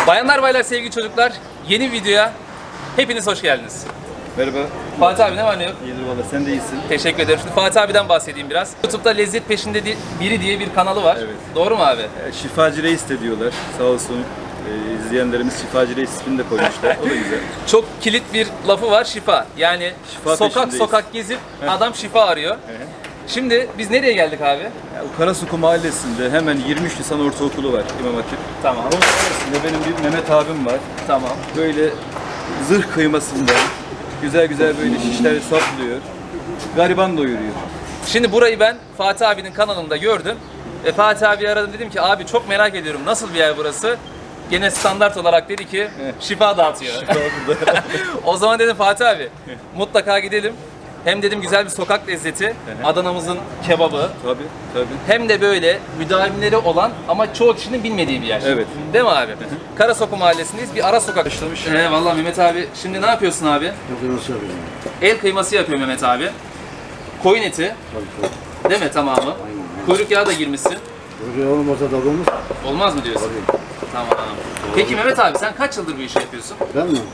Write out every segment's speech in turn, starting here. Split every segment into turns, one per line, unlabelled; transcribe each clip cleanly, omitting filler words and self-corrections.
Bayanlar baylar sevgili çocuklar, yeni videoya hepiniz hoş geldiniz.
Merhaba.
Fatih abi ne var ne yok?
İyidir valla, sen de iyisin.
Teşekkür ederim. Şimdi Fatih abiden bahsedeyim biraz. YouTube'da Lezzet Peşinde Biri diye bir kanalı var.
Evet.
Doğru mu abi?
Şifacı Reis de diyorlar. Sağ olsun izleyenlerimiz Şifacı Reis ismini de koymuşlar. O da güzel.
Çok kilit bir lafı var, şifa. Yani
Şifa
sokak
peşindeyiz.
sokak gezip adam şifa arıyor. Şimdi biz nereye geldik abi?
Ya, o Karasuku Mahallesi'nde hemen 23 Nisan Ortaokulu var, İmam Hatip.
Tamam.
Onun içerisinde benim bir Mehmet abim var.
Tamam.
Böyle zırh kıymasında güzel güzel böyle şişler saplıyor. Gariban doyuruyor.
Şimdi burayı ben Fatih abinin kanalında gördüm. Fatih abi aradım, dedim ki abi çok merak ediyorum, nasıl bir yer burası? Gene standart olarak dedi ki şifa dağıtıyor. O zaman dedim Fatih abi mutlaka gidelim. Hem dedim güzel bir sokak lezzeti, Adana'mızın kebabı.
Tabii, tabii.
Hem de böyle müdavimleri olan ama çoğu kişinin bilmediği bir yer.
Evet.
Değil mi abi? Karasokak Mahallesi'ndeyiz. Bir ara sokak. Vallahi Mehmet abi, şimdi ne yapıyorsun abi?
Nasıl yapıyorum?
El kıyması yapıyor Mehmet abi. Koyun eti.
Tabii.
Değil mi tamamı?
Aynen.
Kuyruk yağı da girmişsin.
Buraya olmasa da olmaz.
Olmaz mı diyorsun?
Tabii.
Tamam. Peki Mehmet abi sen kaç yıldır bu işi yapıyorsun?
Ben mi?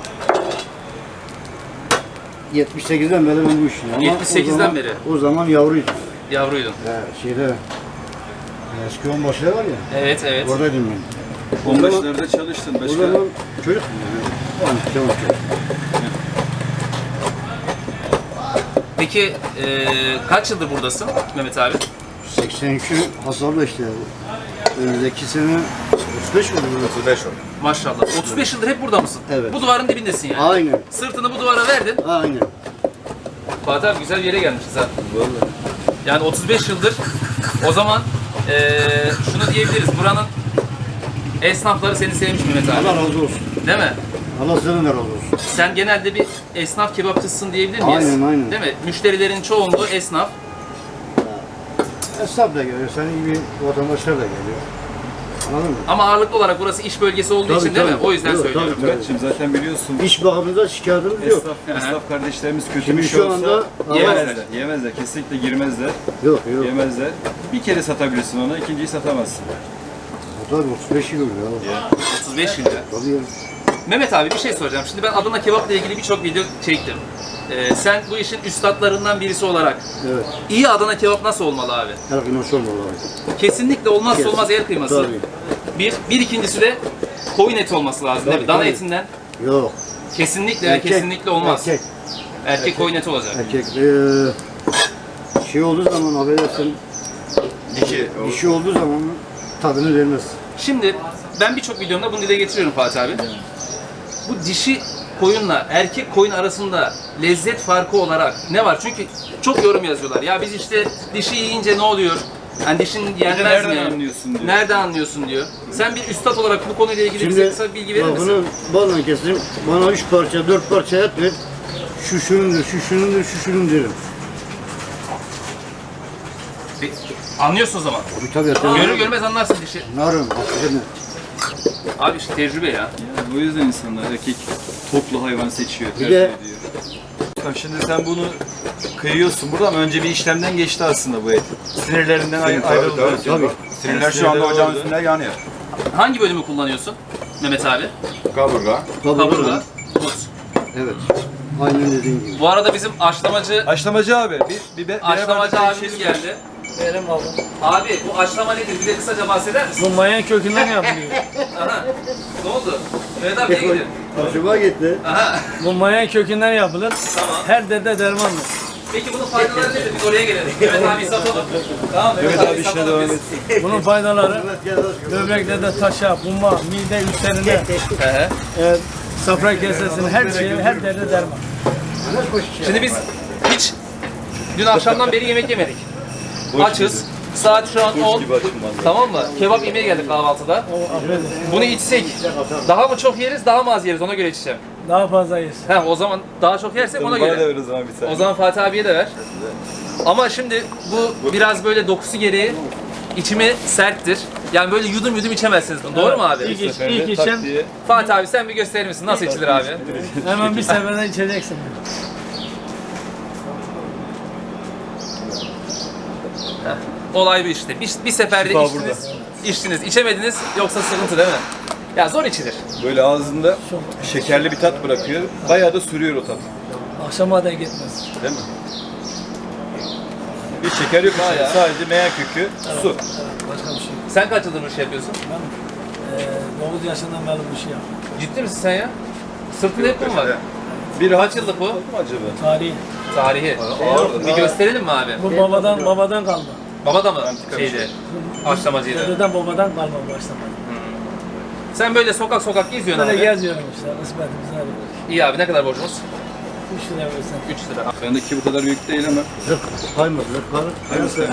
78'den beri ben bu işim. Ama
78'den beri.
O zaman yavruydum.
Yavruydun.
Şeyde eski onbaşılar var ya.
Evet evet.
Oradaydım ben.
Onbaşılarda çalıştın
O
başka.
zaman çocuktum yani. Tamam.
Peki kaç yıldır buradasın Mehmet abi?
83 hasarlı işte. Önümüzdeki sene 35 oldu. 35 oldu.
Maşallah. 35 yıldır hep burada mısın?
Evet.
Bu duvarın dibindesin yani.
Aynen.
Sırtını bu duvara verdin.
Aynen.
Fatih abi güzel bir yere gelmişiz ha.
Vallahi.
Yani 35 yıldır. O zaman şunu diyebiliriz. Buranın esnafları seni sevmiş Mehmet abi.
Allah razı olsun.
Değil mi?
Allah senden de razı olsun.
Sen genelde bir esnaf kebapçısın diyebilir miyiz?
Aynen.
Değil mi? Müşterilerin çoğunluğu esnaf.
Esnaf da geliyor, senin gibi vatandaşlar da geliyor. Anladın mı?
Ama ağırlıklı olarak burası iş bölgesi olduğu için değil mi? O yüzden
Yok,
söylüyorum.
tabii.
Evet, şimdi zaten biliyorsun.
İş bakımında şikayetimiz yok.
Esnaf kardeşlerimiz kötü
Şimdi
bir şey
şu
olsa
anda
yemezler. Yemezler. Kesinlikle girmezler.
Yok.
Yemezler. Bir kere satabilirsin ona, ikinciyi satamazsın.
Tabii 35 yıl oluyor.
35 yıldır.
Tabii ya.
Mehmet abi bir şey soracağım. Şimdi ben Adana kebapla ilgili birçok video çektim. Sen bu işin üstadlarından birisi olarak
Evet.
iyi Adana kebap nasıl olmalı abi?
Her gün nasıl olmalı abi?
Kesinlikle olmazsa olmaz el kıyması.
Tabii.
Bir ikincisi de koyun eti olması lazım değil mi?
Tabii,
Dana
tabii.
etinden
Yok.
kesinlikle olmaz. Erkek koyun eti olacak.
Erkek. Şey olduğu zaman affedersin, dişi olduğu zaman tadını vermez.
Şimdi ben birçok videomda bunu dile getiriyorum Fatih abi. Bu dişi koyunla erkek koyun arasında lezzet farkı olarak ne var? Çünkü çok yorum yazıyorlar. Ya biz işte dişi yiyince ne oluyor? Yani dişin yenmez
Nereden
mi?
anlıyorsun diyor.
Nereden anlıyorsun diyor. Sen bir üstad olarak bu konuyla ilgili bize kısa bir bilgi verir
bak
misin?
bunu bana kesin, bana 3 parça 4 parça et ver. Şu şunundur derim.
Anlıyorsun o zaman.
Tabii.
Görür görmez anlarsın dişi.
Narım, hakikaten.
Abi işte tecrübe ya.
Yani o yüzden insanlar erkek toplu hayvan seçiyor,
Bir
tercih
de-
ediyor. Bak şimdi sen bunu kıyıyorsun burada ama önce bir işlemden geçti aslında bu et. Sinirlerinden ayrıldı.
Tabii.
Sinirler şu anda ocağın üstünde yanıyor.
Hangi bölümü kullanıyorsun Mehmet abi?
Kaburga.
Kaburga, but.
Evet. Aynen dediğin gibi.
Bu arada bizim aşlamacı
Haşlamacı abi.
Aşlamacı abimiz geldi.
Benim ablam.
Abi bu aşlama nedir? Bir de kısaca bahseder misin?
Bu mayan kökünden yapılıyor.
Aha. Ne oldu? Mehmet abi niye gidiyor?
Hoşuma gitti.
Aha.
Bu mayan kökünden yapılır.
Tamam.
Her derde dermandır.
Peki bunun faydaları nedir? Biz oraya gelelim. Mehmet abi satalım. Tamam
Evet abi işine
satalım
devam
biz.
etsin.
Bunun faydaları böbreklerde taşa, buma, mide üstlerine,
Ehe.
safra kesesine, her şeye, her derde derman.
Şimdi biz hiç dün akşamdan beri yemek yemedik. Açız. Saat şu an 10.
gibi açım vallahi.
Tamam mı? Kebap yemeye geldik kahvaltıda. Bunu içsek daha mı çok yeriz, daha mı az yeriz? Ona göre içeceğim.
Daha fazla yes.
Heh, o zaman daha çok yersek ona
Bana da
göre.
ver o zaman bir tane.
O zaman Fatih abiye de ver. Ama şimdi bu biraz böyle dokusu gereği içimi serttir. Yani böyle yudum yudum içemezsiniz bunu. Doğru mu abi?
İlk içen
Fatih abi sen bir gösterir misin? Nasıl içilir abi?
hemen bir seferde içeceksin.
Olay bu işte. Bir seferde
Şifa
içtiniz, içtiniz. İçemediniz yoksa sıkıntı değil mi? Ya zor içilir.
Böyle ağzında şekerli bir tat bırakıyor. Bayağı da sürüyor o tat.
Akşama da gitmez.
Değil mi? Bir şeker yok içinde. Sadece meyan kökü, su.
Evet, başka bir şey yok.
Sen kaç yıldır bu işi yapıyorsun?
Ben 9 yaşından beri bu işi yapıyorum.
Ciddi misin sen ya? Sırtında hep mi var?
Bir
Kaç yıllık bu?
Oldu mu acaba?
Tarihi.
Tarihi. Bir gösterelim mi abi?
Bu babadan kalma.
Baba da mı şeydi? Haşlamacıydı.
Dededen babadan kalma başlamadı.
Sen böyle sokak sokak geziyorsun
Böyle
abi.
geziyorum işte, kısmetimiz arıyoruz.
İyi abi, ne kadar borcumuz?
3 lira versen.
3 lira.
Bendeki bu kadar büyük değil ama.
Zırh kaymaz, zırh kalır.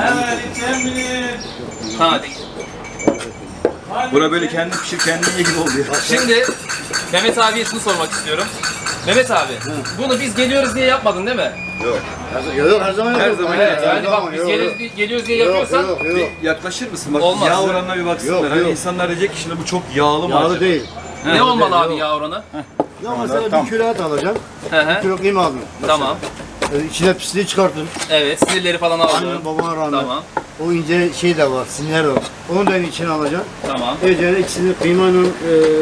Ha,
Bura böyle kendi pişir kendin ye gibi oluyor.
şimdi Mehmet abiye şunu sormak istiyorum. Mehmet abi, bunu biz geliyoruz diye yapmadın değil mi?
Yok, her zaman
Her
yok.
zaman
Evet,
Her
yani bak biz geliyoruz diye yapıyorsan
Yok.
Bir yaklaşır mısın? Bak
Olmaz.
yağ oranına bir baksınlar.
Yok,
Hani
yok.
insanlar diyecek ki şimdi bu çok yağlı mı
Yağlı
acaba?
değil.
ne olmalı abi
yok.
yağ oranı?
Ya mesela bir kilo et alacaksın,
Hı
bir
hı.
kilo kıyma aldın.
Tamam.
İçine pisliği çıkartın.
Evet, sinirleri falan
Anne
aldım.
babana rağmen.
Tamam.
O ince şey de var, sinirler de var. Onu da içine alacaksın.
Tamam.
Ece ikisini kıymanın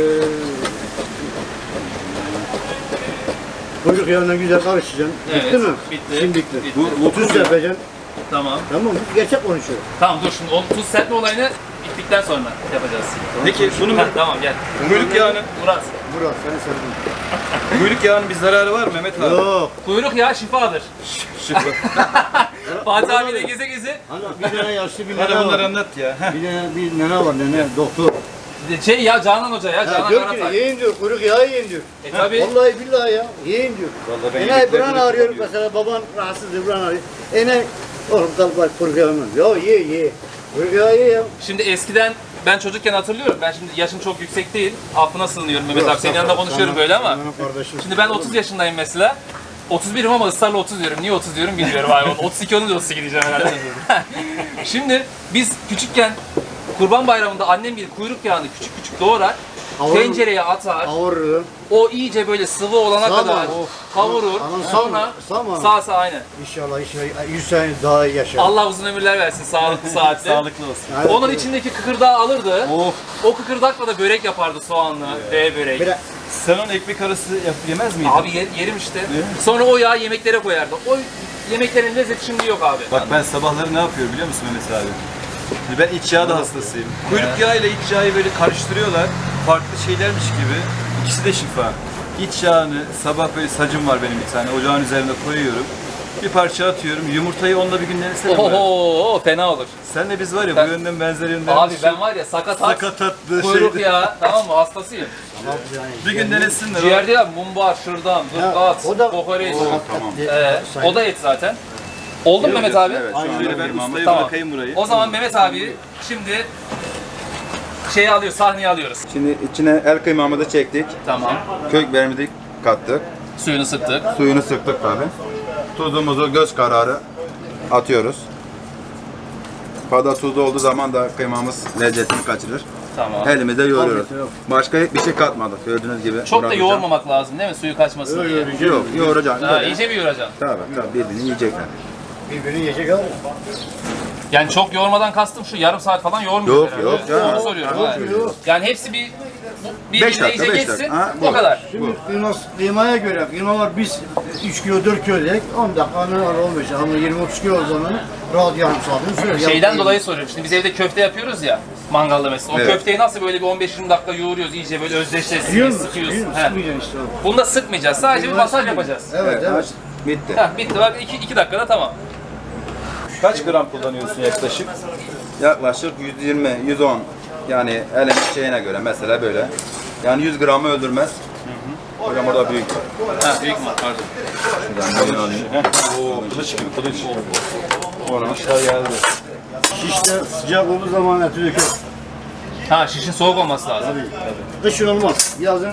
kuyruk yağına güzel karıştıracaksın.
Evet,
Bitti mi?
bitti.
Şimdi bitti.
Bitti.
Bu tuz yapacaksın.
Tamam.
Tamam mı? Gerçek konuşuyor.
Tamam dur şimdi o tuz serpme olayını bittikten sonra yapacağız.
Peki bunun
Heh, tamam gel.
kuyruk yağının,
Murat.
Burak seni sevdim.
kuyruk yağının bir zararı var mı Mehmet abi?
Yok.
Kuyruk yağı şifadır.
Şıkla.
Fatih abiyle geze geze
Hani bir tane yaşlı bir
Bana
nene
bunları
var.
anlat ya. Heh.
Bir nene var nene doktor.
şey ya Canan Hoca ya Canan
Diyor ki
Karatay.
yiyin diyor kuyruk yağı yiyin diyor.
Tabii.
Vallahi billahi ya yiyin diyor.
Vallahi ben
Ene
yediklerini
buran ağrıyor
kullanıyorum.
mesela baban rahatsızdır buran ağrıyor. Ene oğlum kalk bak kuyruk yağı mı? Ya ye. Kuyruk yağı ye ya.
Şimdi eskiden ben çocukken hatırlıyorum. Ben şimdi yaşım çok yüksek değil. Affına sığınıyorum Mehmet abi. Senin yanında konuşuyorum böyle ama.
Kardeşim.
Şimdi ben 30 yaşındayım mesela. 31'im ama ısrarla 30 diyorum. Niye 30 diyorum bilmiyorum abi. 32 olunca 32 diyeceğim herhalde. Şimdi biz küçükken Kurban Bayramı'nda annem gibi kuyruk yağını küçük küçük doğrar.
Kavurur.
Tencereye atar.
Kavurur.
O iyice böyle sıvı olana
Sağma.
kadar kavurur.
Anam
Sonra
sağma.
sağ aynen.
İnşallah 100 sene daha iyi yaşar.
Allah uzun ömürler versin sağlıklı saatli.
Sağlıklı olsun.
Evet.
Onun içindeki kıkırdağı alırdı.
Of.
O kıkırdakla da börek yapardı soğanlı, V börek.
Bir de
Sen onun ekmek arası yemez miydin?
Abi yerim işte. Sonra o yağı yemeklere koyardı. O yemeklerin lezzeti şimdi yok abi.
Bak ben sabahları ne yapıyorum biliyor musun Mehmet abi? Şimdi ben iç yağ da hastasıyım. Kuyruk yağı ile iç yağı böyle karıştırıyorlar. Farklı şeylermiş gibi. İkisi de şifa. İç yağını sabah böyle sacım var benim bir tane. Ocağın üzerine koyuyorum. Bir parça atıyorum. Yumurtayı onunla bir gün denesene. bari.
Oho fena olur.
Senle biz var ya
Ben-
bu yönden benzer yönden.
Abi ben var ya sakatat,
Sakatatlı
kuyruk
şeydi.
yağı tamam mı hastasıyım.
Bir gün denesinler.
Ciğer değil abi mumbar, şırdan, gırgat,
o da-
kokoreç.
tamam.
O da et zaten. Oldu mu Mehmet abi?
Evet.
Aynen.
Şöyle ben ustayı
Tamam.
bırakayım burayı.
O zaman Mehmet abi şimdi şeyi alıyor, sahneye alıyoruz.
Şimdi içine el kıymamızı çektik.
Tamam.
Kök biberimizi kattık.
Suyunu sıktık.
Suyunu sıktık tabi. Tuzumuzu göz kararı atıyoruz. Fazla tuzlu olduğu zaman da kıymamız lezzetini kaçırır.
Tamam.
Elimizde yoğuruyoruz.
Tabii, yok.
Başka bir şey katmadık gördüğünüz gibi.
Çok da
Bırakacağım.
yoğurmamak lazım değil mi? Suyu kaçmasın diye.
Yok yoğuracaksın.
Ha,
Böyle.
iyice bir yoğuracaksın.
Tabii birbirini yiyecekler.
birbirini yiyecek abi.
Yani çok yoğurmadan kastım şu yarım saat falan yoğurmuyoruz
Yok,
herhalde.
yok canım.
Onu soruyorum. ha.
Yok.
Yani hepsi bir
Beş
birbirine
dakika,
iyice
beş
geçsin.
dakika. Ha,
O
bu.
kadar.
Şimdi kıymaya göre kıyma var biz 3 kilo 4 kilo dedik 10 dakika ne var 15 ama 20-30 kilo o zaman rahat yarım saatini sürer.
Şeyden dolayı soruyorum. Şimdi biz evde köfte yapıyoruz ya. Mangalda mesela. O
Evet.
köfteyi nasıl böyle bir 15-20 dakika yoğuruyoruz iyice böyle özdeşleşsin
Yiyor
diye
musun?
sıkıyoruz.
Yiyor musun?
He.
Sıkmayacaksın işte abi.
Bunu da sıkmayacağız. Sadece bir masaj yapacağız.
Evet evet.
Bitti.
Heh, bitti bak 2 dakikada tamam.
Kaç gram kullanıyorsun yaklaşık?
Yaklaşık 120, 110 yani elin şeyine göre mesela böyle. Yani 100 gramı öldürmez. Hocam orada büyük.
Ha büyük mü? Pardon.
Şuradan boyunu alayım.
Oo, kılıç gibi kılıç.
Onu
geldi.
Şişte sıcak olduğu zaman eti döker.
Ha şişin soğuk olması lazım.
Tabii. Kışın olmaz. Yazın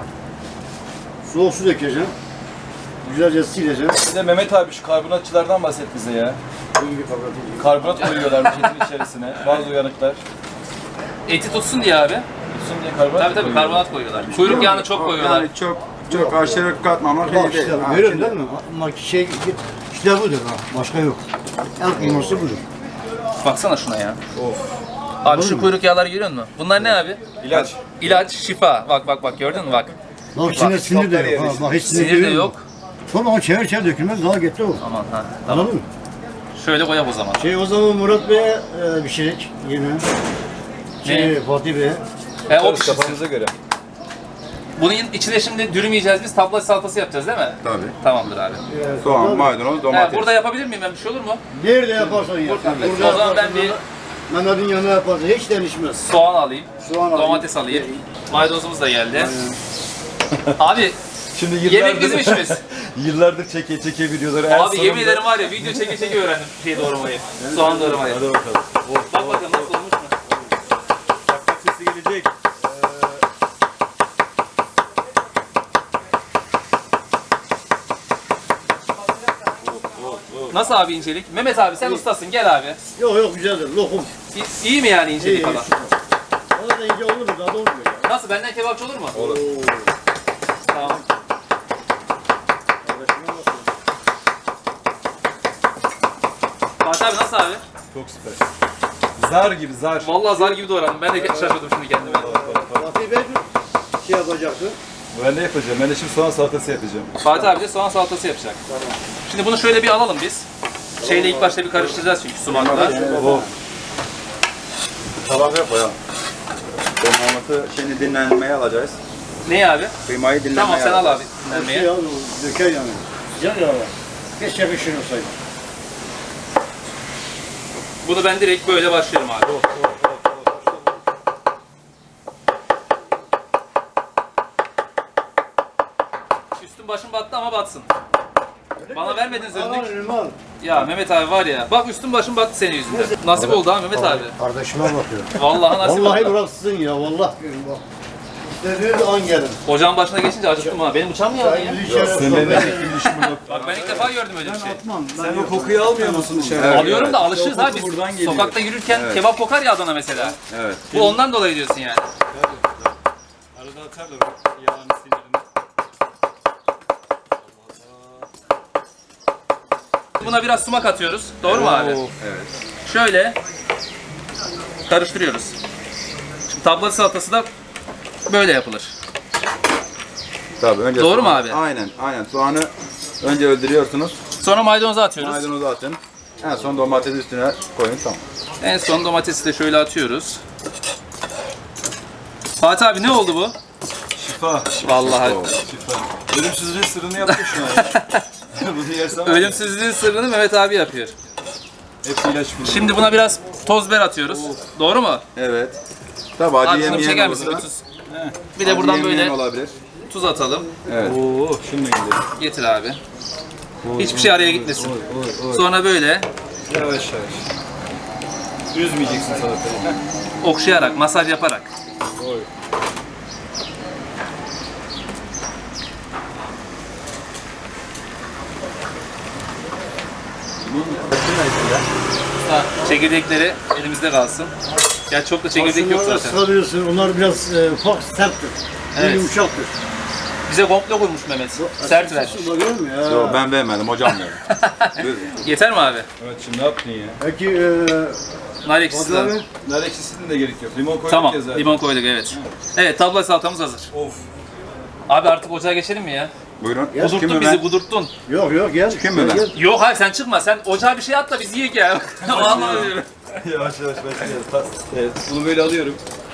soğuk su dökeceksin. Güzelce sileceksin.
Bir de Mehmet abi şu karbonatçılardan bahset bize ya.
Bu gibi kapatacağım.
Karbonat koyuyorlar etin içerisine. Bazı uyanıklar.
Eti tutsun diye abi.
Tutsun diye karbonat
Tabii tabii karbonat koyuyorlar. Kuyruk yağını çok koyuyorlar.
Yani çok aşırı katmamak
Bak
iyi değil.
işte
Ha,
görüyorsun
şimdi-
değil mi? Ama şey işte budur ha. Başka yok. El kıyması budur.
Baksana şuna ya. Abi şu kuyruk yağları görüyor musun? Bunlar ne abi?
İlaç.
İlaç, şifa. Bak bak gördün mü bak.
Bak içinde sinir de yok. Ha, bak hiç
Sinir de yok.
Sonra onu çevir çevir dökülmez daha getir o.
Aman ha. Tamam.
Anladın mı?
Şöyle koyalım o zaman.
O zaman Murat Bey'e bir şey yine. Fatih Bey'e.
O
Tabii
pişirsin.
kafanıza göre.
Bunun içine şimdi dürüm yiyeceğiz biz. Tabla salatası yapacağız değil mi?
Tabii.
Tamamdır abi.
Soğan, maydanoz, domates.
Burada yapabilir miyim ben? Bir şey olur mu?
Nerede yaparsan yap.
O zaman ben bir
Mehmet'in yanına yaparsan hiç değişmez.
soğan alayım.
Soğan alayım.
Domates alayım. Maydanozumuz da geldi. Abi
Şimdi
yemek bizim işimiz.
yıllardır çeke videoları. En
Abi yemin
sonunda-
ederim var ya video çeke çeke öğrendim şey doğramayı. Soğan doğramayı.
Hadi bakalım.
Bak bakalım nasıl olmuş mu?
Tak tak sesi gelecek.
Nasıl abi incelik? Mehmet abi sen ustasın gel abi.
Yok güzeldir. Lokum.
İyi mi yani incelik
İyi.
falan?
O da ince olur mu? Daha da olmuyor ya.
Nasıl benden kebapçı olur mu?
Olur.
Tamam. Fatih abi nasıl abi?
Çok süper. Zar gibi zar.
Vallahi zar gibi doğradım. Ben de şaşırdım şimdi kendime.
Fatih Bey şey yapacaktı.
Ben de yapacağım. Ben de şimdi soğan salatası yapacağım.
Fatih abi de soğan salatası yapacak. Şimdi bunu şöyle bir alalım biz. Şeyle ilk başta bir karıştıracağız çünkü sumakla.
Oh.
Tabaka koyalım. Kıymaması şimdi dinlenmeye alacağız.
Ne abi?
Kıymayı dinlenmeye
Tamam sen al
alacağız.
abi
Şey
dinlenmeye.
ya, döker yani. Sıcak ya. Keşke pişirir olsaydı.
Bunu ben direkt böyle başlıyorum abi. Üstüm başım battı ama batsın. Bana vermediniz önlük.
Limon.
Ya Mehmet abi var ya. Bak üstüm başım battı senin yüzünden. Nasip oldu ha Mehmet abi.
Kardeşime bakıyor.
Vallahi nasip
Vallahi
oldu.
bıraksın ya. Vallahi diyorum bak. İstediğiniz an gelin.
Ocağın başına geçince acıktım ha. Benim uçağım mı yandı ya?
Bizi içeri
Seninle
sohbet
ne
edin.
çekilmiş bunu?
Bak ben ilk defa gördüm öyle bir şey.
Atmam.
Sen o kokuyu almıyor musun dışarı?
Evet.
Alıyorum da alışırız
O
ha
koku
biz.
buradan geliyor.
Sokakta yürürken
Evet.
kebap kokar ya Adana mesela.
Evet.
Bu ondan dolayı diyorsun yani.
Arada atarlar yağını sinirini.
Buna biraz sumak atıyoruz. Doğru mu abi?
Evet.
Şöyle karıştırıyoruz. Şimdi tabla salatası da böyle yapılır.
Tabii önce
Doğru mu
soğan-
abi?
Aynen. Soğanı önce öldürüyorsunuz.
Sonra maydanozu atıyoruz.
Maydanozu atın. En son domatesi üstüne koyun tamam.
En son domatesi de şöyle atıyoruz. Fatih abi ne oldu bu?
Şifa.
Vallahi
Şifa. Ölümsüzlüğün sırrını yaptı şu an. Bunu yersen
ölümsüzlüğün sırrını Mehmet abi yapıyor.
hep ilaç bulur.
Şimdi buna biraz toz biber atıyoruz. Doğru mu?
Evet. Tabii acı
Abi şunu bir
yemeyen
çeker misin? Bir
olursa.
tuz. Bir de buradan
acı yemeyen
böyle
olabilir.
tuz atalım.
Evet.
Oo, şunu da gidelim.
Getir abi. Hiçbir şey araya gitmesin. Sonra böyle
Yavaş yavaş. Üzmeyeceksin salatayı.
okşayarak, masaj yaparak.
Oy.
Çekirdekleri elimizde kalsın. Ya çok da çekirdek yok
Aslında
zaten.
sarıyorsun. Onlar biraz ufak serttir.
Evet.
Yumuşaktır.
Bize komple koymuş Mehmet. Sert ver.
Bakıyor musun ya?
Yok ben vermedim hocam verdi.
Yeter mi abi?
Evet şimdi ne yaptın ya?
Peki
Nar ekşisi de.
Fatih abi.
Nar ekşisinin de gerek yok. Limon koyduk
Tamam,
ya zaten.
limon koyduk evet. Evet, tabla salatamız hazır.
Of.
Abi artık ocağa geçelim mi ya?
Buyurun.
Kudurttun
Çıkayım mı
bizi,
ben?
kudurttun.
Yok gel.
Çıkayım mı ben?
Gel.
Yok hayır sen çıkma, sen ocağa bir şey at da biz yiyek ya. Vallahi diyorum.
Yavaş yavaş başlayalım. Evet. Bunu böyle alıyorum.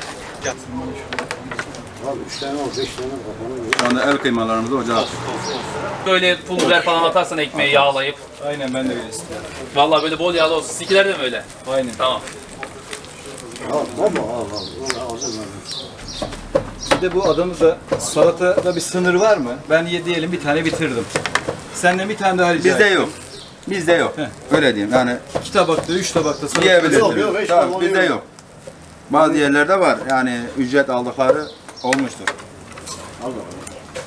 Abi 3 tane al 5 tane al.
Şu anda el kıymalarımızı ocağa atıyoruz.
Böyle pul biber falan atarsan ekmeği yağlayıp.
Aynen ben de böyle istiyorum.
Vallahi böyle bol yağlı olsun. Sizinkiler de mi öyle?
Aynen.
Tamam.
Al baba al. Ağzım
Bir de bu Adana'da salatada bir sınır var mı? Ben diyelim bir tane bitirdim. Senden bir tane daha rica
Bizde
ettim.
yok. Bizde yok. Öyle diyeyim yani
2 tabakta, 3 tabakta salata.
yiyebilirsiniz.
Yok, hiç
Tamam,
tamam,
bizde
yok.
yok. Bazı yerlerde var yani ücret aldıkları olmuştur.
Al bakalım.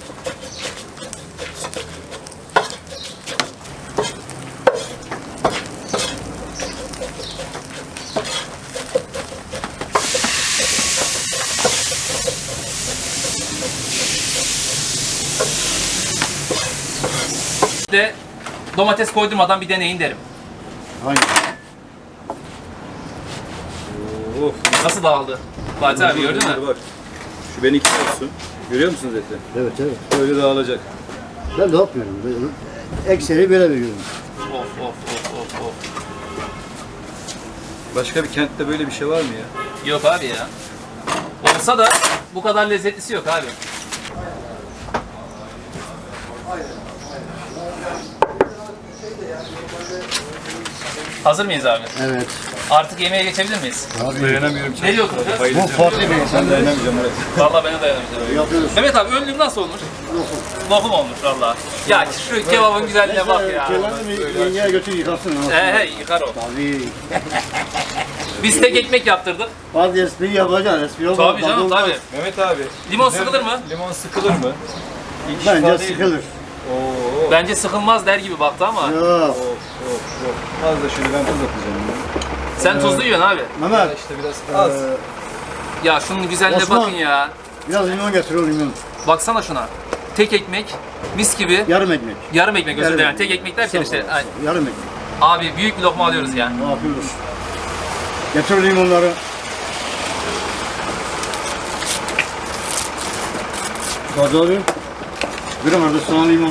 Bir de domates koydurmadan bir deneyin derim.
Aynen.
Of.
Nasıl dağıldı? Fatih abi gördün mü?
Bak. Şu beni olsun. Görüyor musunuz eti?
Evet evet.
Böyle dağılacak.
Ben de yapmıyorum. Böyle. Ekseri böyle veriyorum.
Of of of of of.
Başka bir kentte böyle bir şey var mı ya?
Yok abi ya. Olsa da bu kadar lezzetlisi yok abi. Hazır mıyız abi?
Evet.
Artık yemeğe geçebilir miyiz?
Dayanamıyorum.
Ne diyorsun?
Bu farklı bir insan.
Ben dayanamayacağım Murat.
Vallahi ben de dayanamayacağım.
Yapıyoruz.
Mehmet abi önlüğüm nasıl olmuş? Lokum olmuş vallahi. Ya şu kebabın güzelliğine bak ya.
Kendini yengeye götür yıkasın.
He yıkar o.
Tabii.
Biz tek ekmek yaptırdık.
Bazı espri yapacaksın. Espri olmaz.
Tabii canım
olmaz.
tabii.
Mehmet abi.
Limon sıkılır mı?
Limon sıkılır mı? İlk
Bence
şifa değil mi?
sıkılır.
Oo.
Bence sıkılmaz der gibi baktı ama.
Yok.
Of. Az da şöyle ben tuz atacağım.
Sen tuzlu yiyorsun abi.
Mehmet.
İşte biraz az.
Ya şunun güzelliğine
Osman.
bakın ya.
Biraz limon getir o limon.
Baksana şuna. Tek ekmek, mis gibi.
Yarım ekmek.
Yarım ekmek özür
Yarım
dilerim.
ekmek.
Tek ekmek derken işte.
Sağ ol.
ay,
Yarım ekmek.
Abi büyük bir lokma alıyoruz ya.
Ne yapıyoruz? Getir limonları. Hadi abi. Bir arada soğan limon.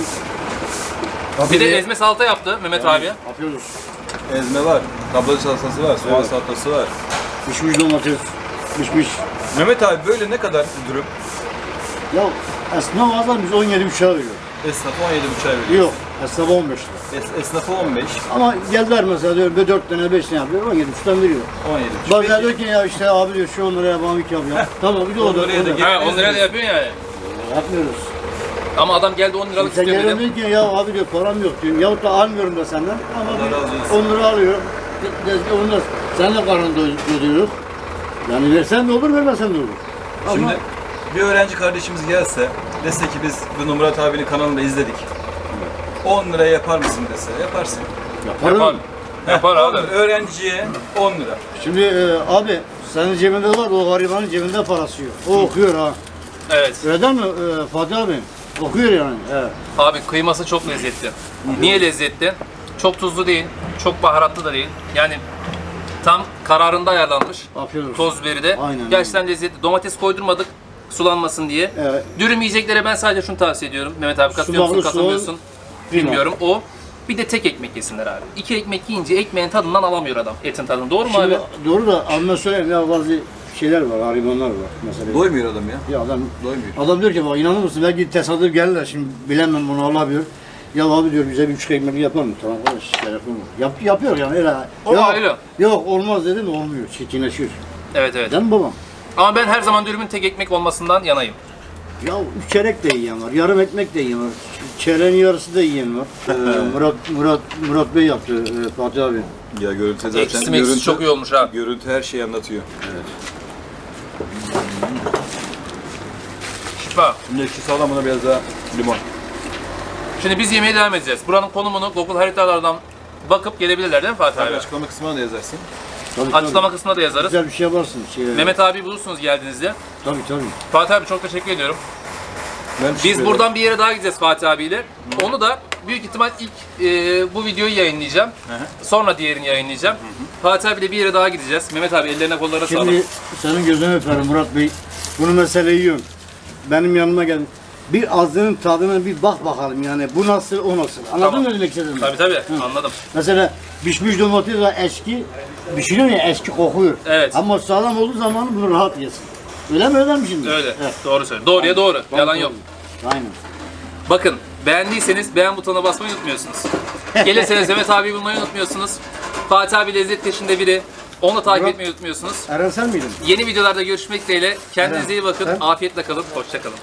Bir de ezme salata yaptı Mehmet abi.
Yapıyoruz.
Ezme var. Tablacı salatası var. Soğan
Evet.
salatası var.
Pişmiş domates. Pişmiş.
Mehmet abi böyle ne kadar dürüm?
Ya esnaf azlar biz 17 buçuğa veriyor.
Esnaf 17,5 veriyor.
Yok. Esnaf 15 lira.
Esnafı 15.
Ama geldiler mesela diyor 4 tane 5 tane yapıyor 17 buçuktan veriyor.
17,5.
Bazen diyor ki ya işte abi diyor şu 10 liraya bana bir yap ya. Tamam bir de o da.
10 liraya da
o da.
gel.
Ha 10 liraya da yapıyorsun yani.
Yapmıyoruz.
Ama adam geldi 10 liralık
Sen
istiyor
geliyorsun
dedim.
diyor ki ya abi diyor param yok diyor. Yahut da almıyorum da senden. Ama
Allah
bir
razı olsun.
10 lira alıyor. Onu da seninle karnını doyuruyor. Yani versen de olur vermesen de olur. Ama
Şimdi bir öğrenci kardeşimiz gelse, dese ki biz bunu Murat abinin kanalında izledik. 10 liraya yapar mısın dese, yaparsın.
yaparım.
Yapar. Yapar abi.
Öğrenciye 10 lira.
Şimdi abi senin cebinde var o garibanın cebinde parası yok. O okuyor ha.
Evet.
Öyle değil mi Fatih abi? Okuyor yani. Evet.
Abi kıyması çok lezzetli. Niye lezzetli? Çok tuzlu değil, çok baharatlı da değil. Yani tam kararında ayarlanmış.
Yapıyoruz.
Toz biberi de.
Aynen,
Gerçekten lezzetli. Domates koydurmadık sulanmasın diye.
Evet.
Dürüm yiyeceklere ben sadece şunu tavsiye ediyorum. Mehmet abi katılıyor musun,
Sumaklı
katılmıyorsun?
soğan,
Bilmiyorum. O. Bir de tek ekmek yesinler abi. 2 ekmek yiyince ekmeğin tadından alamıyor adam. Etin tadını. Doğru mu
Şimdi,
abi?
doğru da anla söyleyeyim ya bazı şeyler var, haribanlar var mesela.
Doymuyor adam ya.
Ya adam
Doymuyor.
Adam diyor ki bak inanır mısın belki tesadüf gelirler şimdi bilemem bunu Allah bilir. Ya abi diyor bize bir 3 ekmek yapar mı? Tamam kardeş telefon mu? Yapıyor yani öyle.
O
yok,
öyle.
yok olmaz dedim olmuyor. Çirkinleşiyor.
Evet evet.
Değil mi babam?
Ama ben her zaman dürümün tek ekmek olmasından yanayım.
Ya 3 çeyrek de yiyen var, yarım ekmek de yiyen var. Çeyreğin yarısı da yiyen var. Murat Bey yaptı Fatih abi.
Ya görüntü zaten
Ekşisi meksisi çok iyi olmuş ha.
Görüntü her şeyi anlatıyor.
Şifa.
Şimdi ekşi sağlam buna biraz daha limon.
Şimdi biz yemeğe devam edeceğiz. Buranın konumunu Google haritalardan bakıp gelebilirler değil mi Fatih
Tabii
abi?
açıklama kısmına da yazarsın.
Tabii,
Açıklama kısmına da yazarız.
Güzel bir şey yaparsın.
Mehmet abi bulursunuz geldiğinizde.
Tabii.
Fatih abi çok teşekkür ediyorum.
Ben
Biz buradan bir yere daha gideceğiz Fatih abiyle. Onu da büyük ihtimal ilk bu videoyu yayınlayacağım. Sonra diğerini yayınlayacağım. Fatih abiyle bir yere daha gideceğiz. Mehmet abi ellerine kollarına sağlık.
Şimdi senin gözünü öperim Murat Bey. Bunu mesele yiyorum. Benim yanıma gel. Bir ağzının tadına bir bak bakalım yani. Bu nasıl o nasıl. Anladın
Tamam.
mı ne demek istediğimi?
Tabii anladım.
Mesela pişmiş domates var eski. Pişiriyor ya eski kokuyor.
Evet.
Ama sağlam olduğu zaman bunu rahat yesin. Öyle mi şimdi?
Öyle.
Evet.
Doğru söylüyorsun. Doğruya doğru. Yalan yok.
Aynen.
Bakın beğendiyseniz beğen butonuna basmayı unutmuyorsunuz. Gelirseniz Mehmet abi bulmayı unutmuyorsunuz. Fatih abi lezzet peşinde biri. Onu da takip
Murat-
etmeyi unutmuyorsunuz.
Eren sen miydin?
Yeni videolarda görüşmek dileğiyle. Kendinize iyi bakın.
Ben-
Afiyetle kalın. Hoşça kalın.